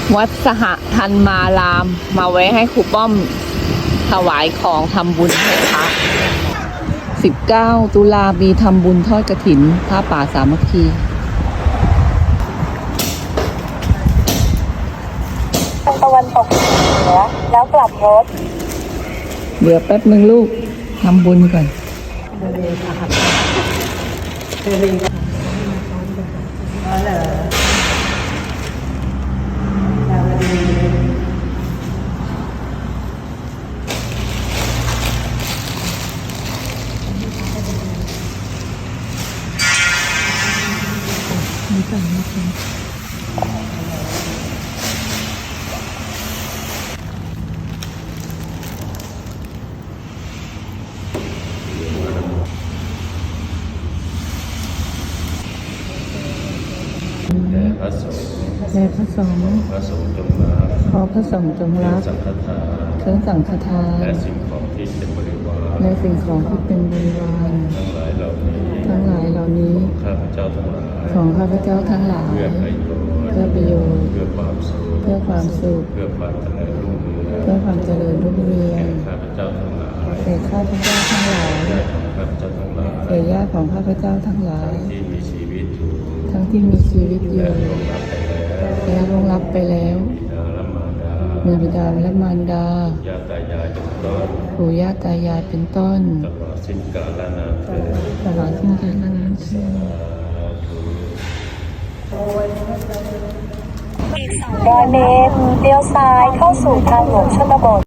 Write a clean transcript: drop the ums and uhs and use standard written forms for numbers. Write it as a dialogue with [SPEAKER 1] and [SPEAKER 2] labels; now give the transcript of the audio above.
[SPEAKER 1] วัดสหธรรมารามมาไว้ให้ครูป้อมถวายของทำบุญให้พระ19 ตุลามีทำบุญทอดกฐินผ้าป่าสามัคคี
[SPEAKER 2] ตะวันตกเหนือแล้วกลับรถ
[SPEAKER 1] เดี๋ยวแป๊บนึงลูกทำบุญก่อนไม่ต้องไม่ต้อง
[SPEAKER 3] แด่พระสงฆ์พระสงฆ์จงรัก
[SPEAKER 1] ขอพระสงฆ์จงรัก
[SPEAKER 3] สังฆทาน
[SPEAKER 1] เครื่องสังฆทาน
[SPEAKER 3] และสิ่งของที่เป็นบริวาร
[SPEAKER 1] และสิ่งของที่เป็นบริวาร
[SPEAKER 3] ทั้งหลายเหล่านี้
[SPEAKER 1] ของ
[SPEAKER 3] ข้าพเจ้าทั้งหลาย
[SPEAKER 1] ของข้าพเจ้าทั้งหลาย
[SPEAKER 3] เพื่อประโยชน์
[SPEAKER 1] เพื่อ
[SPEAKER 3] ความสุข
[SPEAKER 1] เพื่อความสุข
[SPEAKER 3] เพื่อความเจริญรุ่งเรือง
[SPEAKER 1] เพื่อความเจริญรุ่งเรือง
[SPEAKER 3] ข้าพเจ้าทั้งหลาย
[SPEAKER 1] แก่ข้าพเจ้าทั้งหลายแก่ญาติของข้าพเจ้าทั้งหลาย
[SPEAKER 3] ที่มีชีวิตอยู่
[SPEAKER 1] ทั้งที่มีชีวิตอยู่และล่วงลับไปแล้วมีบิดาและมารดา
[SPEAKER 3] ญาติตายายเป็นต้น
[SPEAKER 1] ปู่ย่าตายายเป็นต้น
[SPEAKER 3] ตลอดสิ้นกาลนานเถิด
[SPEAKER 1] ตลอดสิ้นกาลนานเถิด
[SPEAKER 2] อีก200 เมตรเลี้ยวซ้ายเข้าสู่ทางหลวงชนบท